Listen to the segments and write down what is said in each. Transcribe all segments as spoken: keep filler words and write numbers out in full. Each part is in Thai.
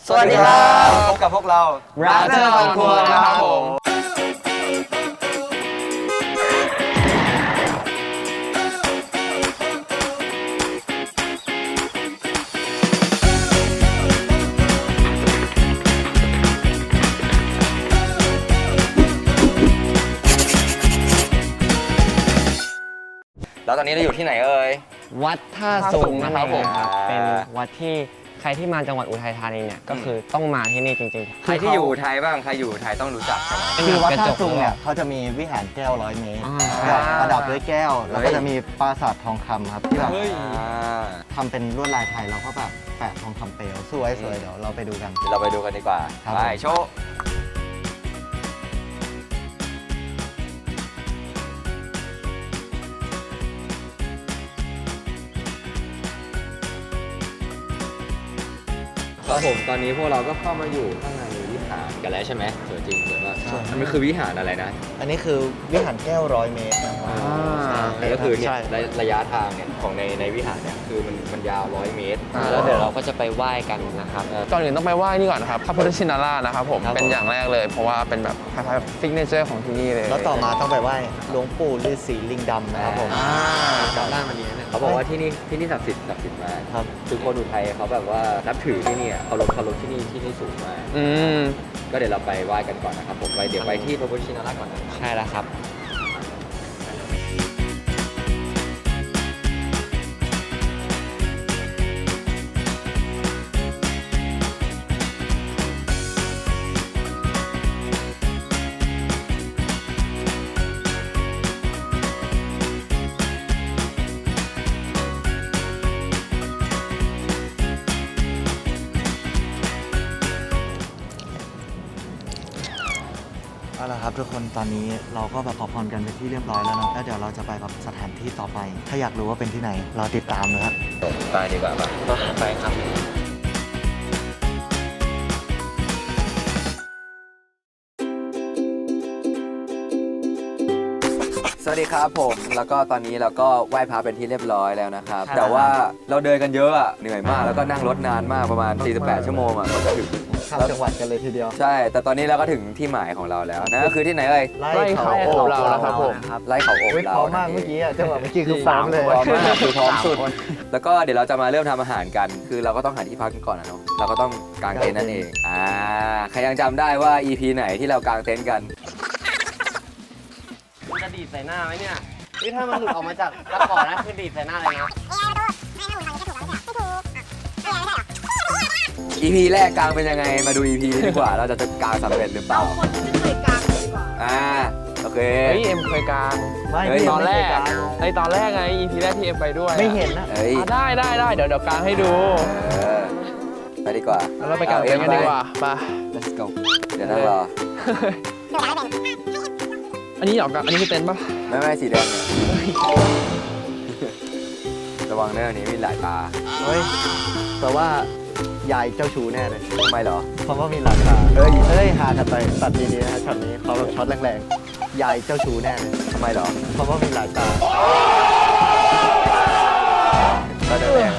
สวัสดีครับพบกับพวกเรา Brother on Tour นะครับผมแล้วตอนนี้เราอยู่ที่ไหนเอ่ยวัดท่าสูงนะครับผมเป็นวัดที่ใครที่มาจังหวัดอุทัยธานีเนี่ยก็คือต้องมาที่นี่จริงๆใครที่อยู่ไทยบ้างใครอยู่ไทยต้องรู้จักใช่ไหมคือวัดท่าซุงเนี่ยเขาจะมีวิหารแก้วร้อยเมตรแบบประดับด้วยแก้ว แล้วก็จะมีปราสาททองคำครับที่แบบทำเป็นลวดลายไทยเราก็แบบแปะทองคำเปลวสวยสวยเดี๋ยวเราไปดูกันเดี๋ยวเราไปดูกันดีกว่าไปโชว์ครับผมตอนนี้พวกเราก็เข้ามาอยู่ข้างในวิหารกันแล้วใช่ไหมสวยจริงสวยมากมันคือวิหารอะไรนะอันนี้คือวิหารแก้วร้อยเมตรนะครับก็คือเนี่ยใช่ระยะทางเนี่ยของในในวิหารเนี่ยคือมันมันยาวร้อยเมตรแล้วเดี๋ยวเราก็จะไปไหว้กันนะครับก่อนอื่นต้องไปไหว้นี่ก่อนนะครับพระพุทธชินราชนะครับผมเป็นอย่างแรกเลยเพราะว่าเป็นแบบคล้ายๆซิกเนเจอร์ของที่นี่เลยแล้วต่อมาต้องไปไหว้หลวงปู่ฤาษีลิงดำนะครับผมจำได้วันนี้เนี่ยเขาบอกว่าที่นี่ที่นี่ศักดิ์สิทธิ์ศักดิ์สิทธิ์มากครับคือคนอุทัยเขาแบบว่านับถือที่นี่อะเคารพเคารพที่นี่ที่นี่สูงมากอืมก็เดี๋ยวเราไปไหว้กันก่อนนะครับผมไปเดี๋ยวไปที่พระพุทธชินราชก่อนนะใช่แล้วครับเอาละครับทุกคนตอนนี้เราก็แบบขอพรกันเป็นที่เรียบร้อยแล้วเนาะแล้วเดี๋ยวเราจะไปแบบสถานที่ต่อไป ถ้าอยากรู้ว่าเป็นที่ไหนเราติดตามนะครับไปดีกว่าป่ะไปครับสวัสดีครับผมแล้วก็ตอนนี้เราก็ไหว้พระเป็นที่เรียบร้อยแล้วนะครับครับแต่ว่าเราเดินกันเยอะอะเหนื่อยมากแล้วก็นั่งรถนานมากประมาณสี่สิบแปดชั่วโมงอะก็จะถึงข้ามจังหวัดกันเลยทีเดียวใช่ แต่ตอนนี้เราก็ถึงที่หมายของเราแล้วนั่นก็คือที่ไหนเอ่ยไล่เขาโอบเรานะครับผมไร่เขาโอบเฮ้ยเราพร้อมมากเมื่อกี้อะจังหวะเมื่อกี้คือพร้อมเลยพร้อมมากคือพร้อมสุด แล้วก็เดี๋ยวเราจะมาเริ่มทำอาหารกัน คือเราก็ต้องหาที่พักกันก่อนนะเนาะเราก็ต้องกางเต็นท์นั่นเองอ่าใครยังจำได้ว่า อี พี ไหนที่เรากางเต็นท์กันมันจะดีดใส่หน้าไหมเนี่ยนี่ถ้ามันหลุดออกมาจากตะกร้อนะคือดีดใส่หน้าเลยนะอี พี แรกกางเป็นยังไงมาดู อี พี นี้ดีกว่าเราจะกางสำเร็จหรือเปล่าคนที่ไม่เคยกางเลยดีกว่าอ่าโอเคเฮ้ยเอ็มเคยกลางไม่เฮ้ยพี่ตอนแรกไม่เคยางในตอนแรกไง อี พี แรกที่เอ็มไปด้วยไม่เห็นนะเฮ้ยอ่ะได้ได้ได้เดี๋ยวเดี๋ยวกลางให้ดูเออไปดีกว่าแล้วเราไปกลางเต็นท์กันดีกว่าไป let's go เดี๋ยวนั่งรออันนี้เหรอกลางอันนี้คือเต็นท์ปะไม่ไม่สีแดงเนี่ยระวังเรื่องนี้มีหลายตาเฮ้ยแปลว่ายายเจ้าชู้แน่เลยทำไมเหรอเพราะว่ามีหลักฐานเฮ้ยเฮ้ยหากันไปตัดดีๆนะฮะช็อตนี้เขาแบบช็อตแรงๆยายเจ้าชู้แน่เลยทำไมเหรอเพราะว่ามีหลายตาตาแดง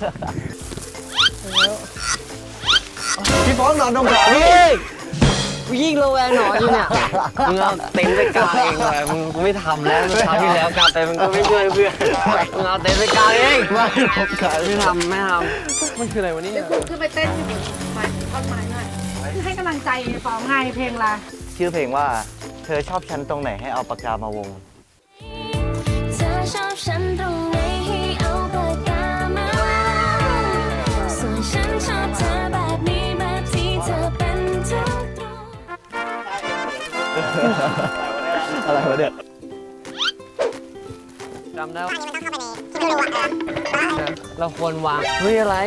พี่ฟ้องนอนตรงขาพี่กูยิ่งระแวงหนอนอยู่เนี่ยมึงเอาเต็นท์ไปกางเองเลยมึงกูไม่ทำแล้วคราวที่แล้วกางเต็นท์มึงก็ไม่ช่วยเพื่อนมึงเอาเต็นท์ไปกางเองไม่ผมขายไม่ทำไม่ทมันคืออะไรวะเนี่ยเดี๋ยวคุณขึ้นไปเต้นอยู่บนไม้ท่อนไม้หน่อยคือให้กำลังใจฟ้องไงเพลงละชื่อเพลงว่าเธอชอบฉันตรงไหนให้เอาปากกามาวงเธอชอบฉันตรงไหนให้เอาปากกามาส่วนฉันชอบเธอแบบนี้แบบที่เธอเป็นทุกตรงอะไรวะเนี่ยำจำได้ว่าเราควรวางเฮ้ยอะไร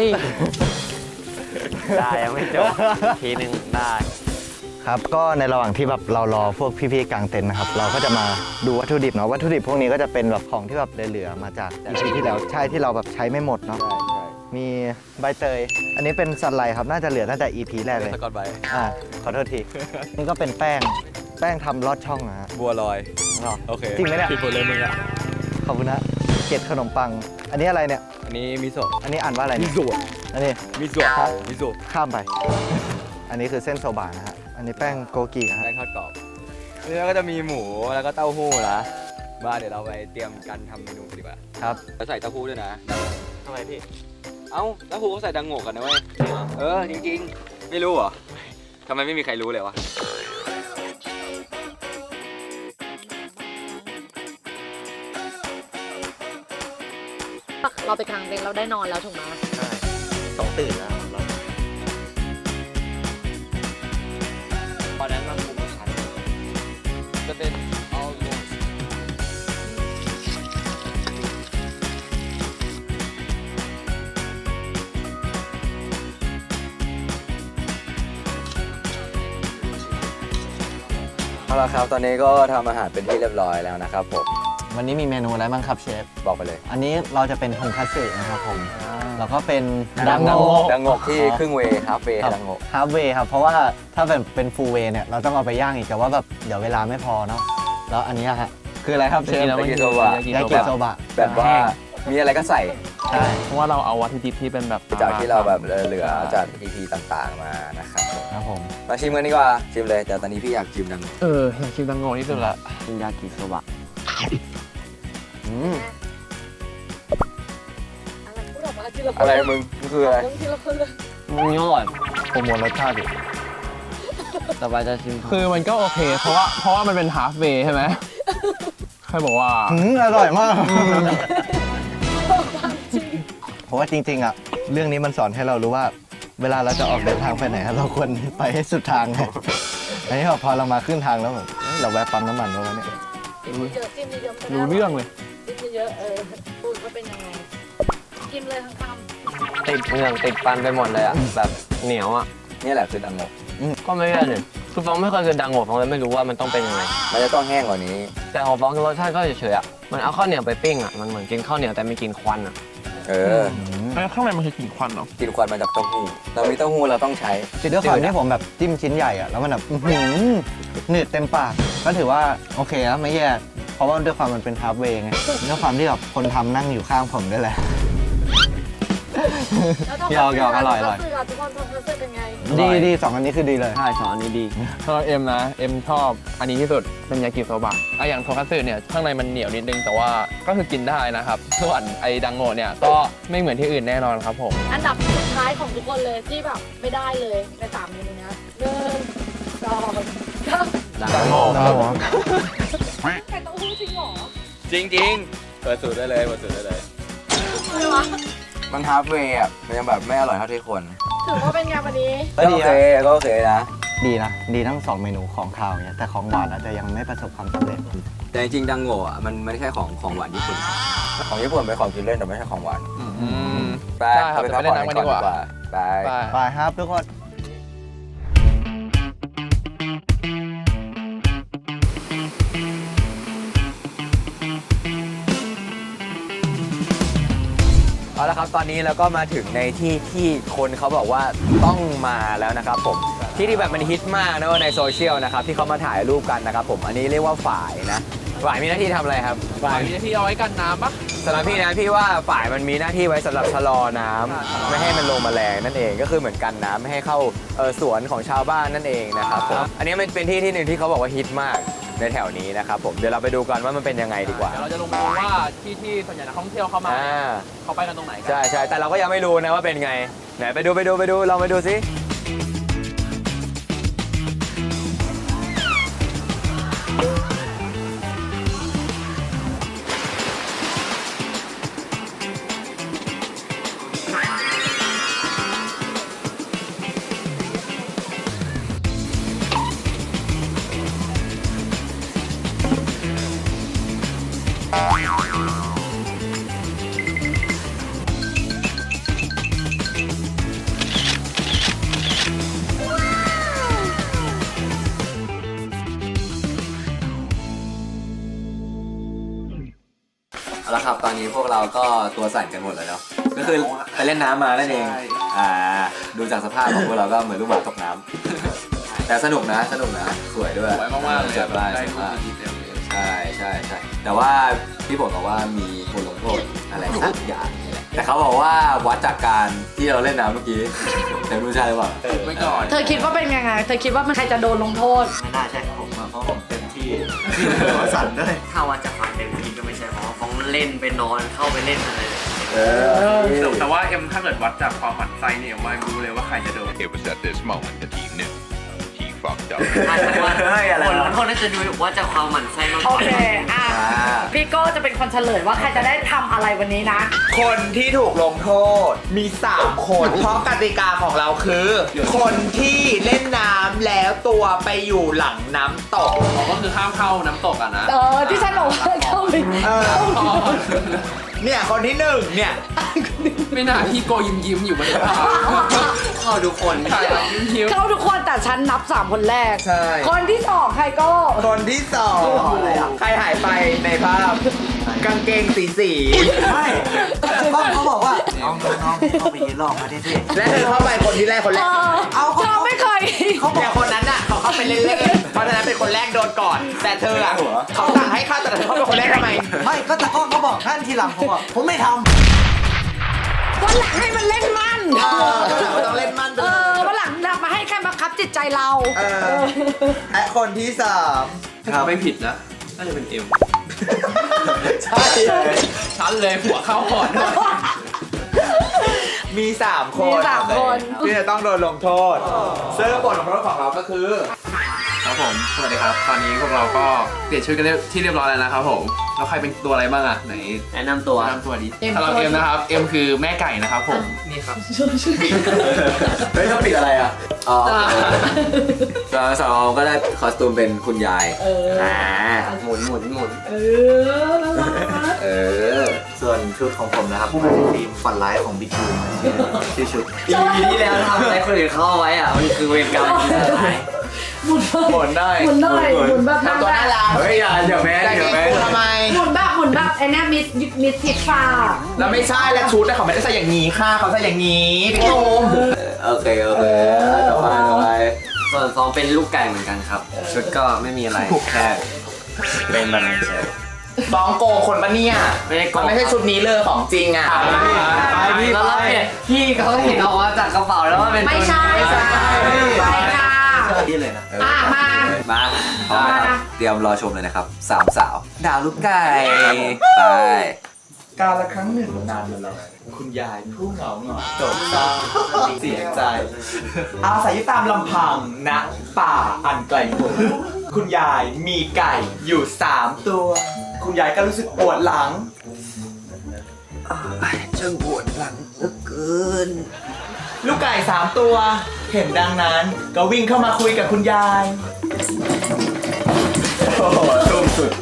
ได้ยังไม่จบทีหนึ่งได้ครับก็ในระหว่างที่แบบเรารอพวกพี่ๆกลางเต็นท์นะครับเราก็จะมาดูวัตถุดิบเนาะวัตถุดิบพวกนี้ก็จะเป็นแบบของที่แบบเหลือๆมาจาก อี พี ที่แล้วใช่ที่เราแบบใช้ไม่หมดเนาะใช่ใช่มีใบเตย อันนี้เป็นสันไลครับน่าจะเหลือตั้งแต่ อี พี แรกเลยสกอตไบอ่าขอโทษที นี่ก็เป็นแป้งแป้งทำลอดช่องนะฮะบัวลอยหรอโอเคจริงไหมเนี่ยผิดหมดเลยมึงอ่ะขอบคุณนะเกล็ดขนมปัง อันนี้อะไรเนี่ยอันนี้มิโซะอันนี้อ่านว่าอะไรมิเนี่ยโซะอันนี้มิโซะมิโซะข้ามไป อันนี้คือเส้นโซบะนะฮะ อันนี้แป้งโกกินะฮะแป้งทอดกรอบนี่ก็จะมีหมูแล้วก็เต้าหู้นะมาเดี๋ยวเราไปเตรียมกันทำเมนูกันดีกว่าครับแล้วใส่เต้าหู้ด้วยนะทำไมพี่เอ้าเต้าหู้เขาใส่ดังโง่กันนะเว้ยเออจริงๆไม่รู้เหรอทำไมไม่มีใครรู้เลยวะเราไปกลางเต็นท์เราได้นอนแล้วถูกไหมใช่ต้องตื่นแล้วเราตอนนั้นมันคุมชั้นจะเป็นเอาลงเอาละครับตอนนี้ก็ทำอาหารเป็นที่เรียบร้อยแล้วนะครับผมวันนี้มีเมนูอะไรบ้างครับเชฟบอกไปเลยอันนี้เราจะเป็นทงคัตสึนะครับผม แล้วก็เป็นดังโงโงดังโงที่ครึ่งเวย์ฮาฟเวย์ดังโงฮาร์ฟเวย์ครับ เพราะว่าถ้าเป็นเป็นฟูลเวย์เนี่ย เราต้องเอาไปย่างอีก แต่ว่าแบบเดี๋ยวเวลาไม่พอเนาะ แล้วอันนี้ฮะ คืออะไรครับเชฟจริงๆแล้วมันยากิโซบะยากิโซบะแบบว่ามีอะไรก็ใส่ใช่เพราะว่าเราเอาวัตถุดิบที่เป็นแบบจากที่เราแบบเหลือจาก อี พี ต่างๆมานะครับผมครับผมมาชิมกันดีกว่าชิมเลยแต่ตอนนี้พี่อยากชิมดังโงเอออยากชิมดังโง่ที่สุดละกินยากิโซบะอืมอะไรพูดออกมาทีละคนอะไรมึงมันคืออะไรมึงทีละคนเลยมันอร่อยโปรโมทรสชาติดิต่อไปจะชิมคือมันก็โอเค เพราะว่าเพราะว่ามันเป็นฮาฟเวย์ใช่ไหมใครบอกว่าอืมอร่อยมาก เพราะว่าจริงๆอ่ะ เรื่องนี้มันสอนให้เรารู้ว่า เวลาเราจะออกเดินทางไปไหนอะเราควรไปให้สุดทางไงอันนี้พอเรามาขึ้นทางแล้วแบบเฮ้ยเราแวะปั๊มน้ำมันแล้ววะเนี่ยจิ้มเยอะจิ้มเยอะรู้เรื่องเลยจิ้มเยอะเออพูดว่าเป็นยังไงกินเลยทั้งคำติดเหงือกติดฟันไปหมดเลยอ่ะ แบบเหนียวอ่ะนี่แหละคือดังโงก็ไม่ได้เลยคือฟองไม่เคยกินดังโง่ฟองเลยไม่รู้ว่ามันต้องเป็นยังไงมันจะต้องแห้งกว่านี้แต่ของฟองรสชาติก็เฉยๆอ่ะ มันเอาข้าวเหนียวไปปิ้งอ่ะ มันเหมือนกินข้าวเหนียวแต่ไม่กินควันอ่ะเออแล้วข้างในมันคือกลิ่นควันเหรอกินควันมาจากเต้าหู้เรามีเต้าหู้เราต้องใช้คือด้วยความที่ผมแบบจิ้มชิ้นใหญ่อะแล้วมันแบบอื้อหือหนืดเต็มปาก ก็ถือว่าโอเคแล้วไม่แย่ เพราะว่าด้วยความมันเป็นฮาร์ฟเวย์ไงด้วยความที่แบบคนทำนั่งอยู่ข้างผมด้วยแหละ หยอกหยอกอร่อยอร่อยทุกคนทำคอนเสิร์ตเป็นไงดีดีสองอันนี้คือดีเลยใช่สองอันนี้ดีสำหรับเอ็มนะเอ็มชอบอันนี้ที่สุดเป็นยากิโซบะอ่ะอย่างโทคัตสึเนี่ยข้างในมันเหนียวนิดนึงแต่ว่าก็คือกินได้นะครับส่วนไอ้ดังโง่เนี่ยก็ไม่เหมือนที่อื่นแน่นอนครับผมอันดับสุดท้ายของทุกคนเลยที่แบบไม่ได้เลยในสามเมนูนี้หนึ่งสองสามดังโง่ไก่เต้าหู้จริงเหรอจริงๆเปิดสูตรได้เลยเปิดสูตรได้เลยอะไรวะมันฮาร์ฟเวย์อ่ะมันยังแบบไม่อร่อยเท่าที่ควรถือว่าเป็นไงวันนี้ก็โอเคก็โอเคนะดีนะ ดีทั้งสองเมนูของคาวเนี่ยแต่ของหวานอาจจะยังไม่ประสบความสำเร็จแต่จริงๆดังโง่อ่ะมันไม่ใช่ของของหวานญี่ปุ่นของญี่ปุ่นเป็นของกินเล่นแต่ไม่ใช่ของหวานอืมไปได้ครับไปเดี๋ยวพักไปผ่เล่อนน้ำกักัน นก่อนดีกดีกว่าว่าไปไปไปครับทุกคนเอาละครับตอนนี้เราก็มาถึงในที่ที่คนเขาบอกว่าต้องมาแล้วนะครับผมที่ที่แบบมันฮิตมากนะว่าในโซเชียลนะครับที่เขามาถ่ายรูปกันนะครับผมอันนี้เรียกว่าฝ่ายนะฝ่ายมีหน้าที่ทำอะไรครับฝ่ายมีหน้าที่เอาไว้กันน้ำปะสำหรับพี่นะพี่ว่าฝ่ายมันมีหน้าที่ไว้สำหรับชะลอน้ำไม่ให้มันลงแมลงนั่นเองก็คือเหมือนกันน้ำไม่ให้เข้าเอ่อสวนของชาวบ้านนั่นเองนะครับผมอันนี้มันเป็นที่ที่หนึ่งที่เขาบอกว่าฮิตมากในแถวนี้นะครับผมเดี๋ยวเราไปดูกันว่ามันเป็นยังไงดีกว่าเดี๋ยวเราจะลงไปดูว่าที่ที่ส่วนใหญ่นักท่องเที่ยวเข้ามาอ่าเขาไปกันตรงไหนกันใช่ใช่แต่เราก็ยังไม่รู้นะว่าเป็นไงไหนไปดูไปดูไปดูลองไปดูสิเอาละครับตอนนี้พวกเราก็ตัวสั่นกันหมดแล้วเนาะก็คือไปเล่นน้ำมานั่นเองอ่าดูจากสภาพของพวกเราก็เหมือนลูกหมาตกน้ำแต่สนุกนะสนุกนะสวยด้วยสวยมากๆเลยสวยมากสวยมากใช่ใช่ใช่แต่ว่าพี่บอกบอกว่ามีบทลงโทษอะไรสักอย่างนี่แหละแต่เขาบอกว่าวัดจากการที่เราเล่นน้ำเมื่อกี้แต่ไม่รู้ใช่หรือเปล่าไม่ก่อนเธอคิดว่าเป็นยังไง เธอคิดว่ามันใครจะโดนลงโทษไม่น่าใช่ผมอะเพราะผมเต็มที่หัวสั่นด้วยถ้าว่าจะฟังเต็มที่ก็ไม่ใช่เพราะว่าฟ้องเล่นไปนอนเข้าไปเล่นอะไรเลยแต่ว่าเอ็มถ้าเกิดวัดจากความหมั่นไส้เนี่ยเอ็มไม่รู้เลยว่าใครจะโดน It was at this moment that he knew he fucked up. อาจจะว่าเฮ้ยอะไรผลลวะงโทษน่าจะดูว่าจะความหมั่นไส้มากกโอว่าเค อ่ะ พี่โก้จะเป็นคนเฉลยว่าใครจะได้ทำอะไรวันนี้นะคนที่ถูกลงโทษมี สาม คน เพราะกติกาของเราคือ คนที่เล่นน้ำแล้วตัวไปอยู่หลังน้ำตกก็คือห้ามเข้าน้ำตกอ่ะนะเออ ที่ฉันบอกว่าเข้าไปเออ เนี่ยคนที่หนึ่งเนี่ยไม่น่าพี่โกยิ้มยิ้มๆอยู่บนฟ้าเข้าทุกคนใช่ยิ้มยิ้มเข้าทุกคนแต่ฉันนับสามคนแรกใช่คนที่สองใครโก้คนที่สองใครหายไปในภาพ กางเกงสีสีไม่เขาเขาบอกว่า น้องน้องเข้าไปยืนรอมาที่ที่และเธอเข้าไปคนที่แรกคนแรเอก อเอาเธอไม่เคยเขาบอกคนนั้นน่ะเขาเข้าไปเล่นๆเพราะฉะนั้นเป็นคนแรกโดนก่อน แต่เธออะเขาสั่งให้เข้าแต่เธอเข้าเป็นคนแรกทำไมไม่ก็แต่ก็เขาบอกท่านทีหลังผมบอกผมไม่ทวันหลังให้มันเล่นมันเออวันหลังมันต้องเล่นมั่นไปเอเลยอวันหลังนำมาให้แค่บังคับจิตใจเราเออและคนที่สามถ้าไม่ผิดนะ น่าจะเป็นเอ็มใช่เลยชั้นเลยหัวเข้าก่อนมีสามคนมีสามคนที่จะต้องโดนลงโทษซึ่งบทลงโทษของเราก็คือครับผม สวัสดีครับ ตอนนี้พวกเราก็เปลี่ยนชื่อกันเรียบที่เรียบร้อยแล้วนะครับผม แล้วใครเป็นตัวอะไรบ้างอ่ะ ไหนแนะนำตัวแนะนำตัวดิสำหรับเอ็มนะครับ เอ็มคือแม่ไก่นะครับผม นี่ครับเฮ้ยต้องปิดอะไรอ่ะ อ๋อสาวสาวก็ได้คอสตูมเป็นคุณยายเอออ่าหมุนหมุนหมุนเออเออำส่วนชุดของผมนะครับเป็นทีมฝันร้ายของบิ๊กบูมชื่อชุดอีพีที่แล้วทำอะไรคนอื่นเข้าเอาไว้อ่ะ มันคือเวรกรรมที่สุดท้ายหมุนหมุนได้หมุนได้หมุนแบบนั่งตัวได้น่ารักเฮ้ยอย่าเดี๋ยวแม่แต่เดี๋ยวเกแม่งทำไมหมุนแบบหมุนแบบไอ้เนี่ยมิสมิสทิฟฟ้าแล้วไม่ใช่แล้วชุดแต่เขาไม่ได้ใส่อย่างนี้ค่ะเขาใส่อย่างนี้พี่โอมโอเคโอเคต่อไปต่อไปส่วนฟองเป็นลูกไก่เหมือนกันครับ ชุดก็ไม่มีอะไร แค่เป็นแบบนี้เฉยฟ้องโกงคนปะเนี่ยไม่ได้โกงมันไม่ใช่ชุดนี้เลยของจริงอ่ะไปพี่แล้วเราเนี่ยพี่เขาเห็นออกมาจากกระเป๋าแล้วว่าเป็นไม่ใช่ไม่ใช่ไปค่ะนี่เลยนะอ่ะมามาพร้อมนะครับ เตรียมรอชมเลยนะครับ สามสาว ดาวลูกไก่ ไปการละครั้งหนึ่งนานมาแล้วคุณยายผู้เหงาหงอยโศกเศร้าเสียใจ อาศัยอยู่ตามลำพังณป่าอันไกลโพ้นคุณยายมีไก่อยู่สามตัว คุณยายก็รู้สึกปวดหลังช่างปวดหลังเหลือเกินลูกไก่สามตัว เห็นดังนั้นก็วิ่งเข้ามาคุยกับคุณยาย โอ้โหทุ่มสุด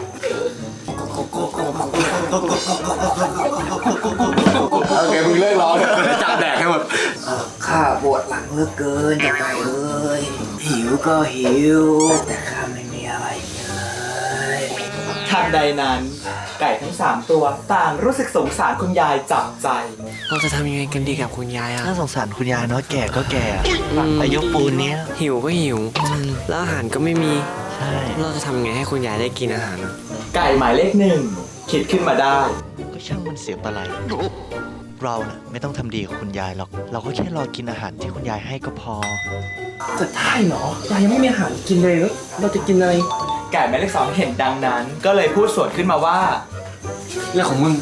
โอเคมึงเลิกร้องจับแดกให้หมดข้าปวดหลังเหลือเกินจะไปเอ้ยหิวก็หิว แต่ข้าไม่มีอะไรเลยทันใดนั้น ไก่ทั้งสามตัวต่างรู้สึกสงสารคุณยายจับใจเราจะทำยังไงกันดีกับคุณยายอ่ะน่าสงสารคุณยายเนาะแก่ก็แก่อายุปูนเนี้ยหิวก็หิว แล้วอาหารก็ไม่มีใช่เราจะทำยังไงให้คุณยายได้กินอาหารไก่หมายเลขหนึ่งคิดขึ้นมาได้ก็ช่างมันเสียปะไรเราน่ะไม่ต้องทำดีกับคุณยายหรอก เราก็แค่รอกินอาหารที่คุณยายให้ก็พอจะได้เหรอ ยายยังไม่มีอาหารกินเลยแล้วเราจะกินอะไร ไก่หมายเลขสองเห็นดังนั้น ก็เลยพูดสวนขึ้นมาว่าเรื่องของมึง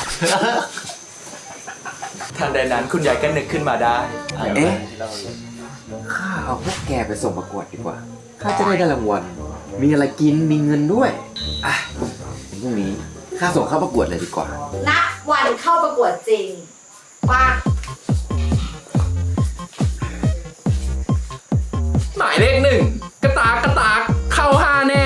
ทันใดนั้นคุณยายก็นึกขึ้นมาได้เอ๊ะ ข้าเอาพวกแกไปส่งประกวดดีกว่า ข้าจะได้ได้รางวัล มีอะไรกิน มีเงินด้วย อ่ะพรุ่งนี้ ข้าส่งเข้าประกวดเลยดีกว่านัดวันเข้าประกวดจริงมาหมายเลขหนึ่งกระตากกระตากเข้าห้าแน่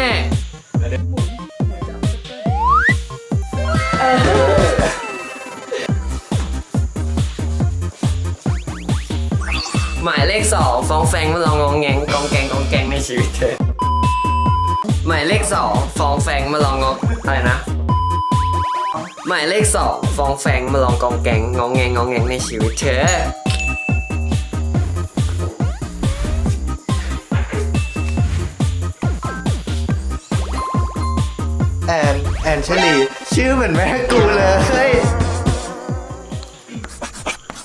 หมายเลขสองฟ้องแฟงมาลองงองแงงกองแกงกองแกงในชีวิตเธอ หมายเลขสองฟ้องแฟงมาลองงองอะไรนะ หมายเลขสองฟ้องแฟงมาลองกองแกงงองแงงงองแงงในชีวิตเธอแอนแอนเชลีชื่อเหมือนแม่กูเลย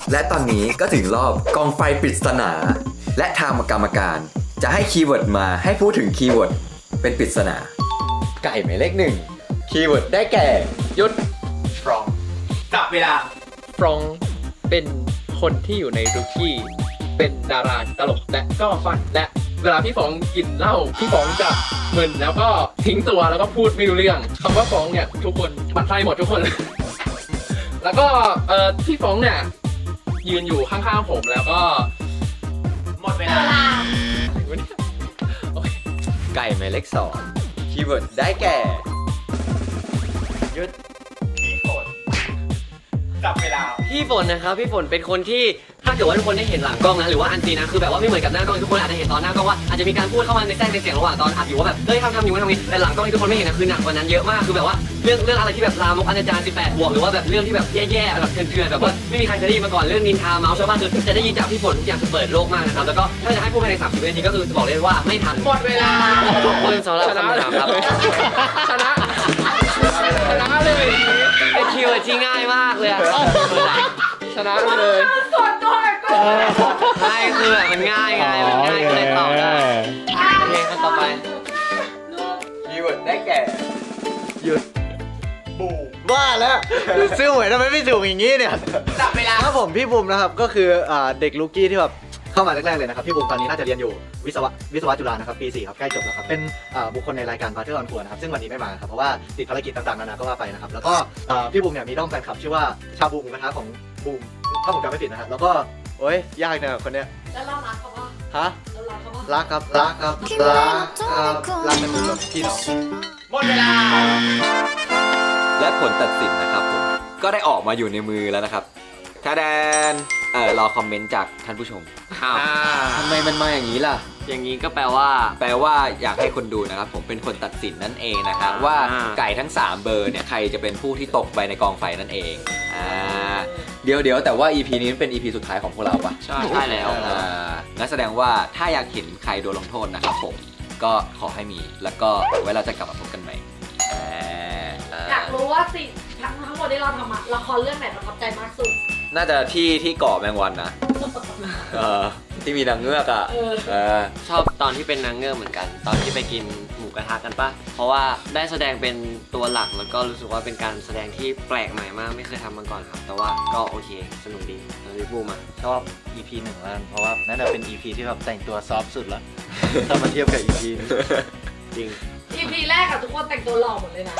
และตอนนี้ก็ถึงรอบกองไฟปริศนา และทางกรรมการจะให้คีย์เวิร์ดมาให้พูดถึงคีย์เวิร์ดเป็นปริศนา ไก่หมายเลขหนึ่งคีย์เวิร์ดได้แก่หยุดฟรองจับเวลาฟรองเป็นคนที่อยู่ในรุกี้เป็นดาราตลกและก็ฟันและเวลาพี่ฟองกินเหล้าพี่ฟองจะมึนแล้วก็ทิ้งตัวแล้วก็พูดไม่รู้เรื่องคำว่าฟองเนี่ยทุกคนบัดไฟหมดทุกคน แล้วก็เอ่อพี่ฟองเนี่ยยืนอยู่ข้างๆผมแล้วก็หมดเวลาไก่หมายเลขสองคีย์เวิร์ดได้แก่หยุดพี่ฝนจับเวลาพี่ฝนนะครับพี่ฝนเป็นคนที่ถ้าเกิดว่าทุกคนได้เห็นหลังกล้องนะหรือว่าอันซีนะคือแบบว่าไม่เหมือนกับหน้ากล้องทุกคนอาจจะเห็นตอนหน้ากล้องว่าอาจจะมีการพูดเข้ามาในแทรกในเสียงระหว่างตอนอัดอยู่ว่าแบบเฮ้ยทำทำอยู่ทำนี้แต่หลังกล้องที่ทุกคนไม่เห็นนะคือหนักกว่านั้นเยอะมากคือแบบว่าเรื่องเรื่องอะไรที่แบบลามกอนาจารสิบแปดบวกหรือว่าแบบเรื่องที่แบบแย่ๆแบบเถื่อนๆแบบว่าไม่มีใครจะได้ยินมาก่อนเรื่องนินทาเมาส์ชาวบ้านคือจะได้ยินจากพี่ฝนทุกอย่างคือเปิดโลกมากนะครับแล้วก็ถ้าจะให้พูดภายในสามสิบวินาทีก็คือจะบอกเลยว่าไม่ทันหมดเวลาขอบคุณสำหรับคำถามครับชนะชนะเลยเป็นคีย์เวิร์ดที่ง่ายมากเลยอะชนะเลยส่วนตัวก็ไม่คือแบบมันง่ายไงมันง่ายก็เลยตอบได้โอเคขั้นต่อไปคีย์เวิร์ดได้แก่ว่าแล้วซื้อหวยทำไมไม่ถูกอย่างนี้เนี่ยจับเวลาครับผมพี่บุ๋มนะครับก็คืออ่าเด็กลูกี้ที่แบบเข้ามาแรกๆเลยนะครับพี่บุ๋มตอนนี้น่าจะเรียนอยู่วิศวะวิศวะจุฬานะครับปีสี่ครับใกล้จบแล้วครับเป็นอ่าบุคคลในรายการ Butter on Tour นะครับซึ่งวันนี้ไม่มาครับเพราะว่าติดภารกิจต่างๆนานาก็ว่าไปนะครับแล้วก็อ่าพี่บุ๋มเนี่ยมีด้อมแฟนคลับชื่อว่าชาบูหมูกระทะของบูมถ้าผมจำไม่ผิดนะครับแล้วก็โอ้ยยากเนี่ยคนเนี้ยแล้วเรารักเขาปะฮะเรารักเขาปะรักครับรักครับรักครับรักกันอยู่แบบพี่น้องหมดเวลาและผลตัดสินนะครับผมก็ได้ออกมาอยู่ในมือแล้วนะครับถ้าแดนเออรอคอมเมนต์จากท่านผู้ชมอ้าวทำไมมันมาอย่างนี้ล่ะอย่างนี้ก็แปลว่าแปลว่าอยากให้คนดูนะครับผมเป็นคนตัดสินนั่นเองนะครับว่าอ่าไก่ทั้งสามเบอร์เนี่ยใครจะเป็นผู้ที่ตกไปในกองไฟนั่นเองอ่าเดี๋ยวเดี๋ยวแต่ว่า อี พี นี้เป็น อี พี สุดท้ายของพวกเราปะใช่ใช่แล้วอ่างั้นแสดงว่าถ้าอยากเห็นใครโดนลงโทษนะครับผมก็ขอให้มีแล้วก็ไว้เราจะกลับมาพบกันใหม่อ่าอ่าอยากรู้ว่าสิ่งทั้งทั้งหมดที่เราทำอะละครเรื่องไหนประทับใจมากสุดน่าจะที่ที่เกาะแมงวันนะเออที่มีนางเงือกอ่ะเออเออชอบตอนที่เป็นนางเงือกเหมือนกัน ตอนที่ไปกินหมูกระทะกันปะเพราะว่าได้แสดงเป็นตัวหลักแล้วก็รู้สึกว่าเป็นการแสดงที่แปลกใหม่มากไม่เคยทำมาก่อนครับ แต่ว่าก็โอเคสนุกดีแล้วพี่บูมอ่ะชอบ อี พี หนึ่งแล้วกันเพราะว่านั่นเป็น อี พี ที่แบบแต่งตัวซอฟต์สุดแล้ว ถ้ามาเทียบกับ อี พี นี้จริงอี พี แรกอะทุกคนแต่งตัวหล่อหมดเลยนะ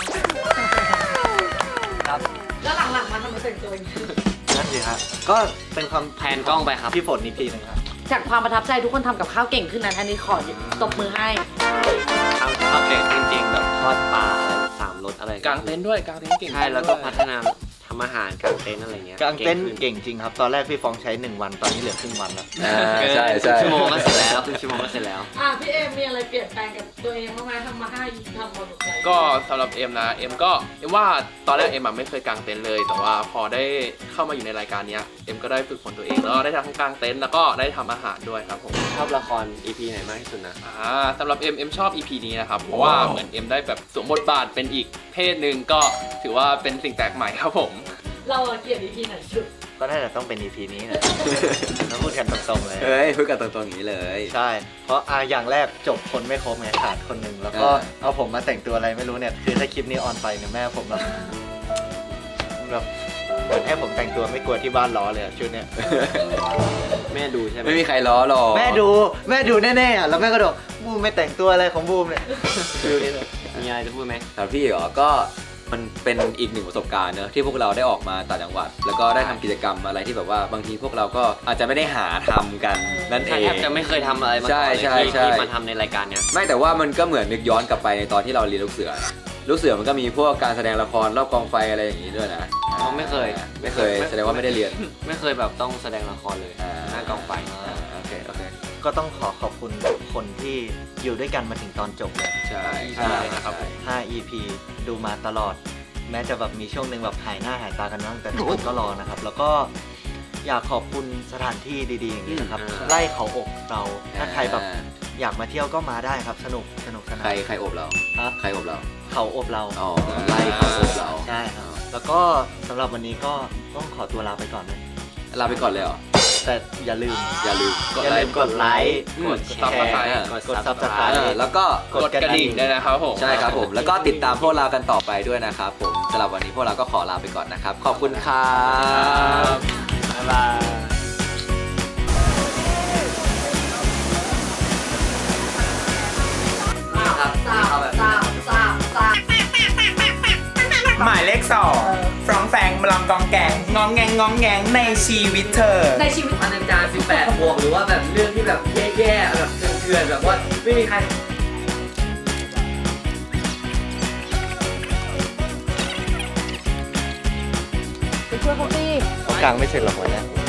ครับแล้วหลังๆมาทำไมแต่งตัวอย่างนี้นั่นสิครับก็เป็นความแพนกล้องไปครับพี่ฝนอีกทีหนึ่งครับจากความประทับใจทุกคนทำกับข้าวเก่งขึ้นนะอันนี้ขอตบมือให้ทำทำเก่งจริงๆแบบทอดปลาอะไรสามรสอะไรกางเต็นท์ด้วยกางเต็นท์เก่งใช่แล้วก็พัฒนาทำอาหารกางเต็นท์อะไรเงี้ยกางเต้นขึ้เก่งจริงครับ ตอนแรกพี่ฟองใช้หนึ่งวันตอนนี้เหลือครึ่งวันแล้วอ่าเกินใช่ใช่ชั่วโมงก็เสร็จแล้วครึ่งชั่วโมงก็เสร็จแล้วอ่ะพี่เอมมีอะไรเปลี่ยนแปลงกับตัวเองบ้างไหมทำมาห้า อี พี ทำมาหมดใจก็สำหรับเอ็มนะเอ็มก็เอ็มว่าตอนแรกเอ็มอะไม่เคยกางเต็นท์เลย แต่ว่าพอได้เข้ามาอยู่ในรายการเนี้ยเอ็มก็ได้ฝึกฝนตัวเองแล้วก็ได้ทั้งกางเต็นท์แล้วก็ได้ทำอาหารด้วยครับผมชอบละคร อี พี ไหนมากที่สุดนะอ่าสำหรับเอ็มเอ็มชอบ อี พี นี้นะครับเพราะว่าเหมือนเอ็มได้แบบสวมบทบาทเป็นอีกเพศหนึ่งก็ถือว่าเป็นสิ่งแปลกใหม่ครับผมเราเกลียด อี พี ไหนสุดก็น่าจะต้องเป็น อี พี นี้นะ ต้องพูดกันตรงๆเลยเฮ้ยพูดกันตรงๆอย่างนี้เลยใช่ เพราะอ่าอย่างแรกจบคนไม่ครบไงขาดคนหนึ่งแล้วก็อ่าเอาผมมาแต่งตัวอะไรไม่รู้เนี่ย คือถ้าคลิปนี้ออนไปเนี่ยแม่ผมแบบแบบเหมือนให้ผมแต่งตัวไม่กลัวที่บ้านล้อเลยอะชุดเนี้ยแม่ดูใช่ไหมไม่มีใครล้อหรอกแม่ดูแม่ดูแน่ๆอะแล้วแม่ก็บอกบูมไม่แต่งตัวอะไรของบูมเนี่ยฟิลนี้เลยมีอะไรจะพูดไหมสำหรับพี่เหรอก็มันเป็นอีกหนึ่งประสบการณ์เนอะที่พวกเราได้ออกมาต่างจังหวัด แล้วก็ได้ทำกิจกรรมอะไรที่แบบว่าบางทีพวกเราก็อาจจะไม่ได้หาทำกันนั่นเอใช่งแทบจะไม่เคยทำอะไรมาก่อนใช่เลยใช่ที่ใช่ที่มาทำในรายการเนี้ยไม่แต่ว่ามันก็เหมือนนึกย้อนกลับไปในตอนที่เราเรียนลูกเสือ ลูกเสือมันก็มีพวกการแสดงละครรอบกองไฟอะไรอย่างนี้ด้วยนะอ๋อไม่เคยไม่เคยแสดงว่าไม่ได้เรียนไม่เคยแบบต้องแสดงละครเลยอ่าหน้ากองไฟอ่าโอเคโอเคก็ต้องขอขอบคุณคนที่อยู่ด้วยกันมาถึงตอนจบเลยใช่ใช่นะครับห้า อี พี ดูมาตลอด แม้จะแบบมีช่วงหนึ่งแบบหายหน้าหายตากันบ้างแต่ทุกคนก็รอนะครับ แล้วก็อยากขอบคุณสถานที่ดีๆอย่างนี้นะครับอืมไล่เขาอกเราถ้าใครแบบอยากมาเที่ยวก็มาได้ครับ สนุกสนุกสนาใครนใครอบเราฮะใครอบเราเขาอบเราอ๋อไล่เขาอบเราใช่ครับ แล้วก็สำหรับวันนี้ก็ต้องขอตัวลาไปก่อนนะลาไปก่อนเลยเหรอแต่อย่าลืมอย่าลืมกดอย่าไลลืมค์กดไลค์อืมกดแชร์กดกด Subscribe Subscribe เออแล้วก็กดกระดิ่งด้วยนะครับผมใช่ครับผม แล้วก็ติดตามพวกเรากันต่อไปด้วยนะครับผมสำหรับวันนี้พวกเราก็ขอลาไปก่อนนะครับ ขอบคุณครับบ๊ายบายครับสามสามสามสามหมายเลขสองฟรองแฟงมาลองกองแกงงองแงงงองแงงในชีวิตเธอในชีวิตอนาจารสิบแปดบวกหรือว่าแบบเรื่องที่แบบแย่ๆแบบเถื่อนๆแบบว่าไม่มีใครไปช่วยเขาสิเขากลางไม่เสร็จหรอกวันเนี้ย